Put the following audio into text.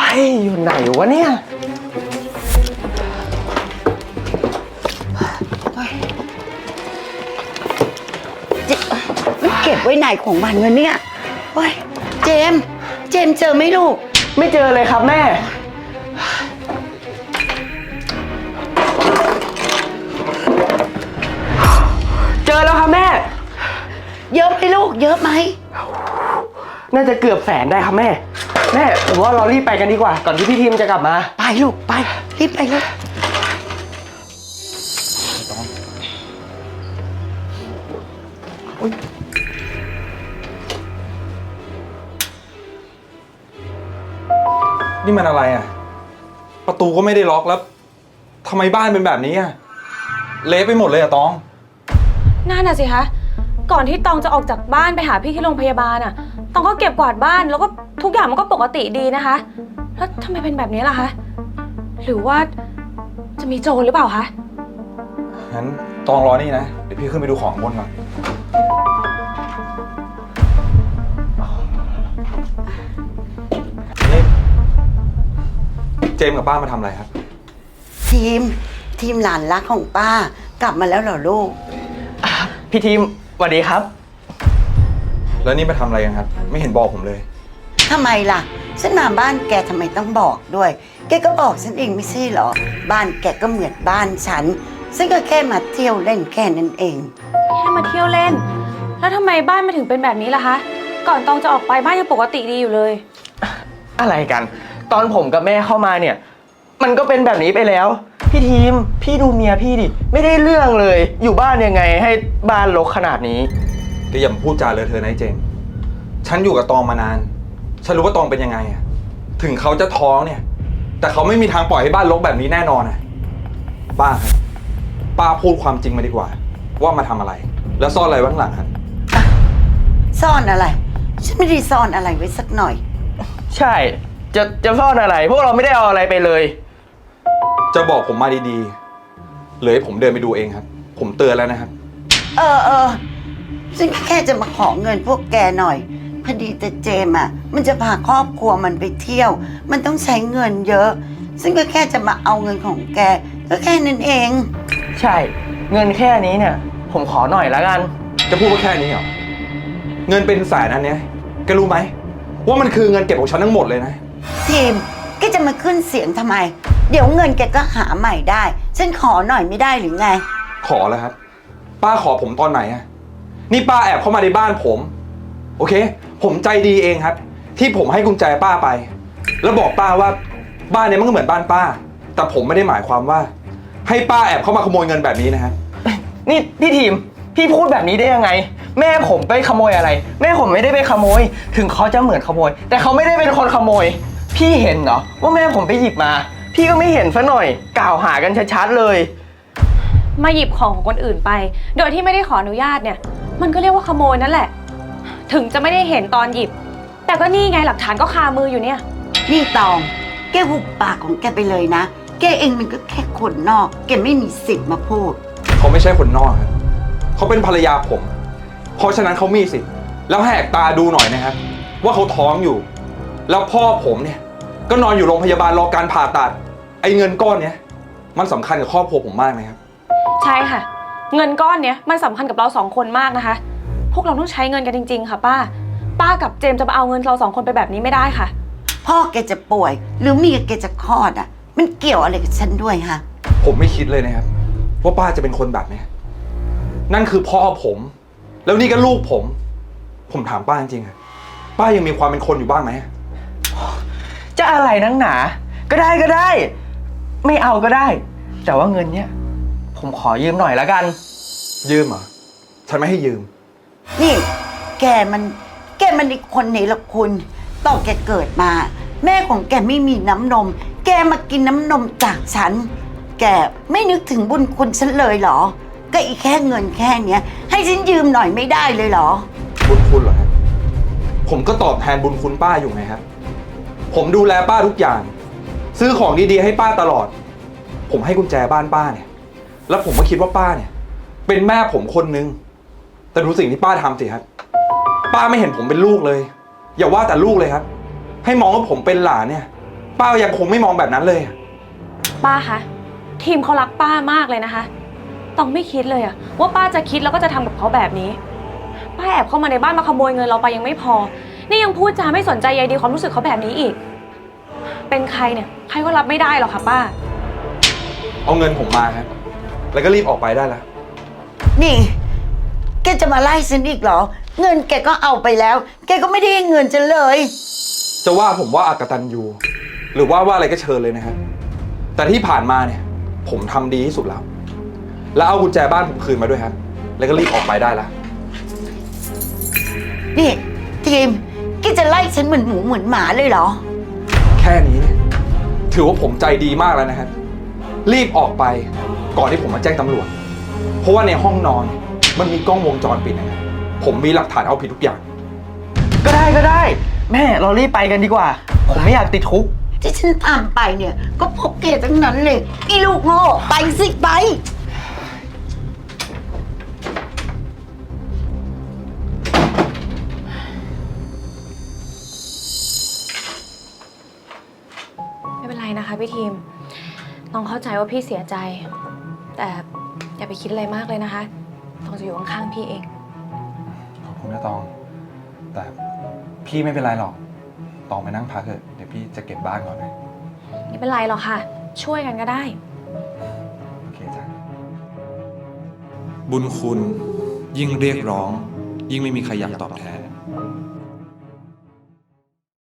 อยู่ไหนวะเนี่ยมันเก็บไว้ไหนของมันวะเนี่ยโอ้ยเจมส์เจอไหมลูกไม่เจอเลยครับแม่เจอแล้วครับแม่เยอะไหมลูกเยอะไหมน่าจะเกือบ100,000ได้ครับแม่ผมว่าเรารีบไปกันดีกว่าก่อนที่พี่ทีมจะกลับมาไปลูกไปรีบไปเลยนี่มันอะไรอ่ะประตูก็ไม่ได้ล็อกแล้วทำไมบ้านเป็นแบบนี้อ่ะเละไปหมดเลยอ่ะตองนั่นน่ะสิคะก่อนที่ตองจะออกจากบ้านไปหาพี่ที่โรงพยาบาลอ่ะตองก็เก็บกวาดบ้านแล้วก็ทุกอย่างมันก็ปกติดีนะคะแล้วทำไมเป็นแบบนี้ล่ะคะหรือว่าจะมีโจรหรือเปล่าคะงั้นตองรอนี่นะเดี๋ยวพี่ขึ้นไปดูของบนก่อนนี่เจมส์กับป้ามาทำอะไรครับทีมหลานรักของป้ากลับมาแล้วเหรอลูกพี่ทีมสวัสดีครับแล้วนี่มาทำอะไรกันครับไม่เห็นบอกผมเลยทำไมล่ะฉันมาบ้านแกทำไมต้องบอกด้วยแกก็บอกฉันเองไม่ใช่เหรอบ้านแกก็เหมือนบ้านฉันก็แค่มาเที่ยวเล่นแค่นั้นเองแค่มาเที่ยวเล่นแล้วทำไมบ้านมันถึงเป็นแบบนี้ล่ะคะก่อนตองจะออกไปบ้านยังปกติดีอยู่เลยอะไรกันตอนผมกับแม่เข้ามาเนี่ยมันก็เป็นแบบนี้ไปแล้วพี่ทีมพี่ดูเมียพี่ดิไม่ได้เรื่องเลยอยู่บ้านยังไงให้บ้านรกขนาดนี้ก็อย่าพูดจาเลอะเทอะนะเจมส์ฉันอยู่กับตองมานานฉันรู้ว่าตองเป็นยังไงอ่ะถึงเขาจะท้องเนี่ยแต่เขาไม่มีทางปล่อยให้บ้านรกแบบนี้แน่นอนอ่ะป้าครับป้าพูดความจริงมาดีกว่าว่ามาทำอะไรแล้วซ่อนอะไรไว้ข้างหลังครับซ่อนอะไรฉันไม่ได้ซ่อนอะไรไว้สักหน่อยใช่จะซ่อนอะไรพวกเราไม่ได้เอาอะไรไปเลยจะบอกผมมาดีๆหรือให้ผมเดินไปดูเองครับผมเตือนแล้วนะครับฉันแค่จะมาขอเงินพวกแกหน่อยพอดีแต่เจมอ่ะมันจะพาครอบครัวมันไปเที่ยวมันต้องใช้เงินเยอะซึ่งก็แค่จะมาเอาเงินของแกก็แค่นั้นเองใช่เงินแค่นี้เนี่ยผมขอหน่อยแล้วกันจะพูดว่าแค่นี้เหรอเงินเป็นแสนอันเนี้ยแกรู้ไหมว่ามันคือเงินเก็บของฉันทั้งหมดเลยนะทีมแกจะมาขึ้นเสียงทำไมเดี๋ยวเงินแกก็หาใหม่ได้ฉันขอหน่อยไม่ได้หรือไงขอแล้วครับป้าขอผมตอนไหนอะนี่ป้าแอบเข้ามาในบ้านผมโอเคผมใจดีเองครับที่ผมให้กุญแจป้าไปแล้วบอกป้าว่าบ้านนี้มันก็เหมือนบ้านป้าแต่ผมไม่ได้หมายความว่าให้ป้าแอบเข้ามาขโมยเงินแบบนี้นะครับนี่พี่ทีมพี่พูดแบบนี้ได้ยังไงแม่ผมไปขโมยอะไรแม่ผมไม่ได้ไปขโมยถึงเขาจะเหมือนขโมยแต่เขาไม่ได้เป็นคนขโมยพี่เห็นเหรอว่าแม่ผมไปหยิบมาพี่ก็ไม่เห็นซะหน่อยกล่าวหากันชัดๆเลยมาหยิบของของคนอื่นไปโดยที่ไม่ได้ขออนุญาตเนี่ยมันก็เรียกว่าขโมยนั่นแหละถึงจะไม่ได้เห็นตอนหยิบแต่ก็นี่ไงหลักฐานก็คามืออยู่เนี่ยนี่ตองแกหุบปากของแกไปเลยนะแกเองมันก็แค่คนนอกแกไม่มีสิทธิ์มาพูดเขาไม่ใช่คนนอกครับเขาเป็นภรรยาผมเพราะฉะนั้นเขามีสิทธิ์แล้วแหกตาดูหน่อยนะครับว่าเขาท้องอยู่แล้วพ่อผมเนี่ยก็นอนอยู่โรงพยาบาลรอการผ่าตัดไอ้เงินก้อนเนี้ยมันสำคัญกับครอบครัวผมมากนะครับใช่ค่ะเงินก้อนเนี้ยมันสำคัญกับเรา2 คนมากนะคะพวกเราต้องใช้เงินกันจริงๆค่ะป้ากับเจมจะมาเอาเงินเรา2 คนไปแบบนี้ไม่ได้ค่ะพ่อแกจะป่วยหรือเมียแกจะคลอดอ่ะมันเกี่ยวอะไรกับฉันด้วยฮะผมไม่คิดเลยนะครับว่าป้าจะเป็นคนแบบนี้นั่นคือพ่อผมแล้วนี่ก็ลูกผมถามป้าจริงๆป้ายังมีความเป็นคนอยู่บ้างไหมจะอะไรนักหนาก็ได้ไม่เอาก็ได้แต่ว่าเงินเนี้ยผมขอยืมหน่อยละกันยืมเหรอฉันไม่ให้ยืมนี่แกมันอีกคนไหนล่ะคุณตอนแกเกิดมาแม่ของแกไม่มีน้ำนมแกมากินน้ำนมจากฉันแกไม่นึกถึงบุญคุณฉันเลยเหรอก็อีกแค่เงินแค่เนี้ยให้ฉันยืมหน่อยไม่ได้เลยเหรอบุญคุณเหรอครับผมก็ตอบแทนบุญคุณป้าอยู่ไงครับผมดูแลป้าทุกอย่างซื้อของดีๆให้ป้าตลอดผมให้กุญแจบ้านป้าเนี่ยแล้วผมก็คิดว่าป้าเนี่ยเป็นแม่ผมคนนึงแต่ดูสิ่งที่ป้าทำสิครับป้าไม่เห็นผมเป็นลูกเลยอย่าว่าแต่ลูกเลยครับให้มองว่าผมเป็นหลานเนี่ยป้ายังคงไม่มองแบบนั้นเลยป้าคะทีมเขารักป้ามากเลยนะคะต้องไม่คิดเลยอะว่าป้าจะคิดแล้วก็จะทำกับเขาแบบนี้ป้าแอบเข้ามาในบ้านมาขโมยเงินเราไปยังไม่พอนี่ยังพูดจาไม่สนใจใยดีความรู้สึกเขาแบบนี้อีกเป็นใครเนี่ยใครก็รับไม่ได้หรอกค่ะป้าเอาเงินผมมาครับ แล้วก็รีบออกไปได้แล้วนี่ แกจะมาไล่ฉันอีกเหรอ เงินแกก็เอาไปแล้ว แกก็ไม่ได้ให้เงินฉันเลยจะว่าผมว่าอากตันยูหรือว่าอะไรก็เชิญเลยนะครับ แต่ที่ผ่านมาเนี่ย ผมทำดีที่สุดแล้ว แล้วเอากุญแจบ้านผมคืนมาด้วยครับ แล้วก็รีบออกไปได้ละนี่ทีมแกจะไล่ฉันเหมือนหมูเหมือนหมาเลยเหรอแค่นี้เนี่ยถือว่าผมใจดีมากแล้วนะครับ รีบออกไปก่อนที่ผมมาแจ้งตำรวจ เพราะว่าในห้องนอนมันมีกล้องวงจรปิดนะครับผมมีหลักฐานเอาผิดทุกอย่างก็ได้ แม่เรารีบไปกันดีกว่า ผมไม่อยากติดคุกที่ฉันทำไปเนี่ย ก็เพราะแกทั้งนั้นเลยอีลูกโง่ไปสิไปไม่เป็นไรนะคะพี่ทีมต้องเข้าใจว่าพี่เสียใจ แต่อย่าไปคิดอะไรมากเลยนะคะต้องจะอยู่ข้างๆพี่เองขอบคุณนะตอง แต่พี่ไม่เป็นไรหรอก ตองไปนั่งพักเถอะเดี๋ยวพี่จะเก็บบ้านก่อนนะไม่เป็นไรหรอกค่ะ ช่วยกันก็ได้โอเคจ้ะบุญคุณยิ่งเรียกร้อง ยิ่งไม่มีใครอยากตอบแทน